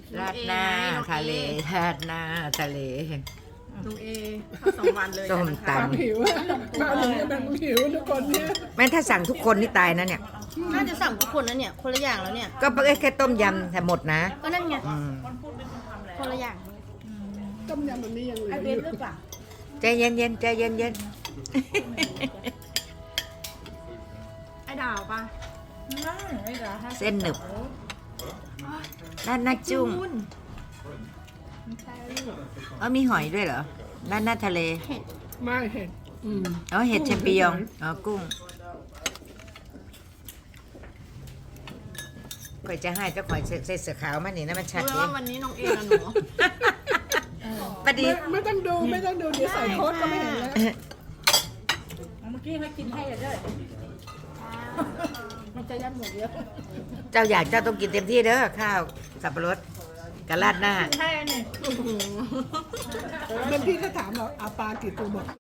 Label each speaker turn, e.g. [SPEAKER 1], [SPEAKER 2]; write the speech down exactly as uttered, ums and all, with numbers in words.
[SPEAKER 1] ราดหน้าทะเลราดหน้าทะเล
[SPEAKER 2] ลุงเอข้าวสองวันเลย
[SPEAKER 1] ส้มต
[SPEAKER 3] ความหิวอะมาถึงจะเป็นหิวทุกคนเนี่ย
[SPEAKER 1] ำแม่ถ้าสั่งทุกคนนี่ตายนะเนี่ย
[SPEAKER 2] น่าจะสั่งทุกคนนะเนี่ยคนละอย่างแล้วเนี่ย
[SPEAKER 1] ก็แค่ต้มยำแต่หมดนะ
[SPEAKER 2] ก็นั่นไง
[SPEAKER 1] อืม
[SPEAKER 2] คนละอย่าง
[SPEAKER 3] ต้มยำมันนี้ยังเหลืออยู่
[SPEAKER 1] ใจเย็นเย็นๆใจเย็นเย็น
[SPEAKER 2] ไอ้ดาวปะ
[SPEAKER 1] ๆเส้นหนึบด้านหน้าจุ้งเออมีหอยด้วยเหรอด้านหน้าทะเล
[SPEAKER 3] ไม่เห็นอืม
[SPEAKER 1] อ๋อเห็ดแชมปิญองอ๋อกุ้งข่อยจะให้เจ้าข่อยใส่เสื้อขาวมานี่นะมันชัด
[SPEAKER 2] รู้
[SPEAKER 1] เล
[SPEAKER 2] ว่าย วันนี้น้องเอกับหนู
[SPEAKER 1] ปะดี
[SPEAKER 3] ไม่ไม่ต้องดูไม่ต้องดูเดี๋ยวใส่โค้ดก็ไม่เห็นแล้ว
[SPEAKER 4] เมื่อกี้ให้กินให้เลยเด้อมันจะยัดหมดเยอะ
[SPEAKER 1] เจ้าอยากเจ้าต้องกินเต็มที่เด้อข้าวสับปะรดกับราดหน้า
[SPEAKER 4] ใช่เนี่ย
[SPEAKER 3] เมื่อพี่ก็ถามเราเอาปลากี่ตัวบอก